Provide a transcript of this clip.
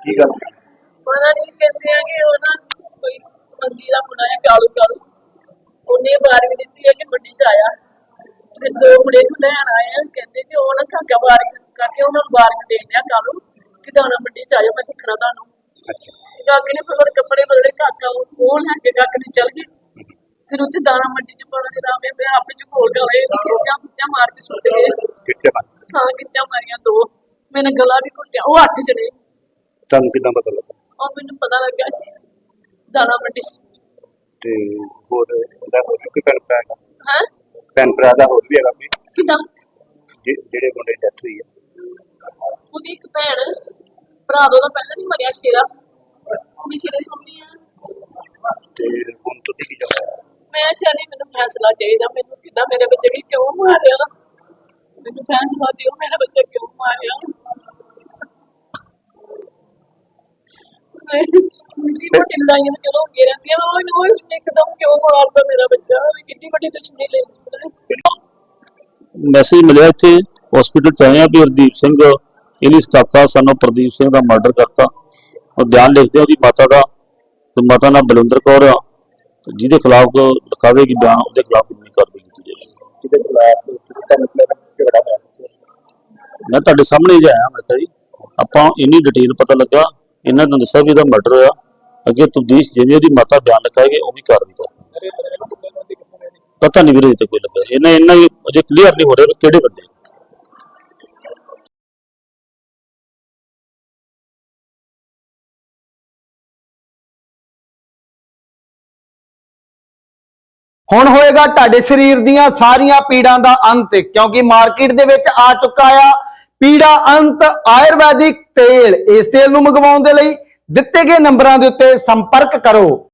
ਕੀ ਗੱਲ ਪਤਾ ਨਹੀਂ ਕਹਿੰਦੇ ਆ ਕਿ ਉਹ ਨਾ ਕੋਈ ਮੰਦੀ ਦਾ ਮੁੰਡਾ ਹੈ ਕਾਲੂ ਕਾਲੂ ਉਹਨੇ ਬਾਰੀ ਦਿੱਤੀ ਹੈ ਕਿ ਮੰਡੀ ਚ ਆਇਆ ਤੇ ਦੋ ਮੁੰਡੇ ਨੂੰ ਲੈਣ ਆਏ ਆ ਕਹਿੰਦੇ ਕਿ ਉਹ ਨਾ ਕਾਕਾ ਬਾਰੀ ਕਰਕੇ ਉਹਨਾਂ ਨੂੰ ਬਾਰੀ ਦੇ ਦਿਆ ਕਾਲੂ ਕਿ ਦਾਣਾ ਮੰਡੀ ਚ ਆਇਓ ਮੈਂ ਦਿਖਣਾ ਤੁਹਾਨੂੰ। ਕਾਕੇ ਨੇ ਫਿਰ ਕੱਪੜੇ ਬਦਲੇ ਕਾਕਾ ਉਹ ਲੈ ਕੇ ਕਾਕੇ ਨੇ ਚੱਲ ਗਏ। ਫਿਰ ਉੱਥੇ ਦਾਣਾ ਮੰਡੀ ਚ ਪਾਉਣਾ ਦੇ ਰਾਮੇ ਮੈਂ ਆਪੇ ਚ ਘੋਲ ਕੇ ਹੋਏ ਖਿੱਚਾਂ ਮਾਰ ਕੇ ਸੁੱਟ ਗਏ। ਹਾਂ ਖਿੱਚਾਂ ਮਾਰੀਆਂ ਦੋ ਮੈਨੇ ਗਲਾ ਵੀ ਘੁੱਟਿਆ ਉਹ 8 ਜਣੇ। ਤੁਹਾਨੂੰ ਕਿੱਦਾਂ ਪਤਾ ਲੱਗਾ? ਉਹ ਮੈਨੂੰ ਪਤਾ ਲੱਗਾ ਜੀ ਦਾਣਾ ਮੰਡੀ ਤੇ ਹੋਰ ਇਹਦਾ ਹੋਰ ਵੀ ਕੋਈ ਭੈਣ ਭਰਾ ਹੈਗਾ? ਹੈ ਭੈਣ ਭਰਾ ਦਾ ਹੋਰ ਵੀ ਹੈਗਾ ਕੋਈ ਕਿਦਾਂ ਜਿਹੜੇ ਮੁੰਡੇ ਦੀ ਡੈਥ ਹੋਈ ਹੈ? ਉਹਦੀ ਇੱਕ ਭੈਣ ਭਰਾ ਉਹਦਾ ਪਹਿਲਾਂ ਨਹੀਂ ਮਰਿਆ ਸ਼ੇਰਾ ਉਹਦੀ ਸ਼ੇਰੇ ਦੀ ਮੰਮੀ ਆ। ਤੇ ਹੁਣ ਤੁਸੀਂ ਕੀ ਚਾਹੁੰਦੇ? ਮੈਂ ਚਾਹਨੀ ਮੈਨੂੰ ਫੈਸਲਾ ਚਾਹੀਦਾ ਮੈਨੂੰ ਕਿੱਦਾਂ ਮੇਰੇ ਬੱਚੇ ਵੀ ਕਿਉਂ ਮਾਰਿਆ ਮੈਨੂੰ ਫੈਸਲਾ ਦਿਓ ਮੇਰਾ ਬੱਚਾ ਕਿਉਂ ਮਾਰਿਆ। ਕਿੰਨੀ ਵੱਡੀ ਲੜਾਈਆਂ ਤਾਂ ਚਲੋ ਹੋ ਰਹਿੰਦੀਆਂ ਉਹ ਇੱਕਦਮ ਕਿਉਂ ਮਾਰਦਾ ਮੇਰਾ ਬੱਚਾ ਕਿੰਨੀ ਵੱਡੀ ਦੁਸ਼ਮਣੀ ਲੈ ਮੈਸੇਜ ਮਿਲਿਆ ਇੱਥੇ ਹਸਪੀਟਲ ਚ ਆਏ ਆ ਵੀ ਹਰਦੀਪ ਸਿੰਘ ਇਹਦੀ ਕਾਕਾ ਸਾਨੂੰ ਪ੍ਰਦੀਪ ਸਿੰਘ ਦਾ ਮਰਡਰ ਕਰਤਾ। ਉਹ ਬਿਆਨ ਲਿਖਦੇ ਉਹਦੀ ਮਾਤਾ ਦਾ ਤੇ ਮਾਤਾ ਨਾਲ ਬਲਵਿੰਦਰ ਕੌਰ ਆ ਜਿਹਦੇ ਖਿਲਾਫ ਲਿਖਾਵੇਗੀ ਬਿਆਨ ਉਹਦੇ ਖਿਲਾਫ ਕਿੰਨੀ ਕਾਰਵਾਈ ਕੀਤੀ ਜਾਏਗੀ। ਜਿਹਦੇ ਖਿਲਾਫ ਝਗੜਾ ਹੈ ਮੈਂ ਤੁਹਾਡੇ ਸਾਹਮਣੇ ਹੀ ਆਇਆ ਮੈਂ ਕਿਹਾ ਜੀ ਆਪਾਂ ਇੰਨੀ ਡਿਟੇਲ ਪਤਾ ਲੱਗਾ ਇਹਨਾਂ ਨੂੰ ਦੱਸਿਆ ਵੀ ਇਹਦਾ ਮਰਡਰ ਹੋਇਆ ਅੱਗੇ ਤਬਦੀਸ਼ ਜਿਵੇਂ ਉਹਦੀ ਮਾਤਾ ਬਿਆਨ ਲਿਖਾਏਗੀ ਉਹ ਵੀ ਕਾਰਵਾਈ ਕਰਦੀ। ਪਤਾ ਨਹੀਂ ਵੀਰੇ ਤੇ ਕੋਈ ਲੱਗਾ ਇਹਨਾਂ ਅਜੇ ਕਲੀਅਰ ਨਹੀਂ ਹੋ ਰਿਹਾ ਕਿਹੜੇ ਬੰਦੇ। ਹੁਣ ਹੋਏਗਾ ਤੁਹਾਡੇ ਸਰੀਰ ਦੀਆਂ ਸਾਰੀਆਂ ਪੀੜਾਂ ਦਾ ਅੰਤ ਕਿਉਂਕਿ ਮਾਰਕੀਟ ਦੇ ਵਿੱਚ ਆ ਚੁੱਕਾ ਆ ਪੀੜਾ ਅੰਤ ਆਯੁਰਵੈਦਿਕ ਤੇਲ। ਇਸ ਤੇਲ ਨੂੰ ਮੰਗਵਾਉਣ ਦੇ ਲਈ ਦਿੱਤੇ ਗਏ ਨੰਬਰਾਂ ਦੇ ਉੱਤੇ ਸੰਪਰਕ ਕਰੋ।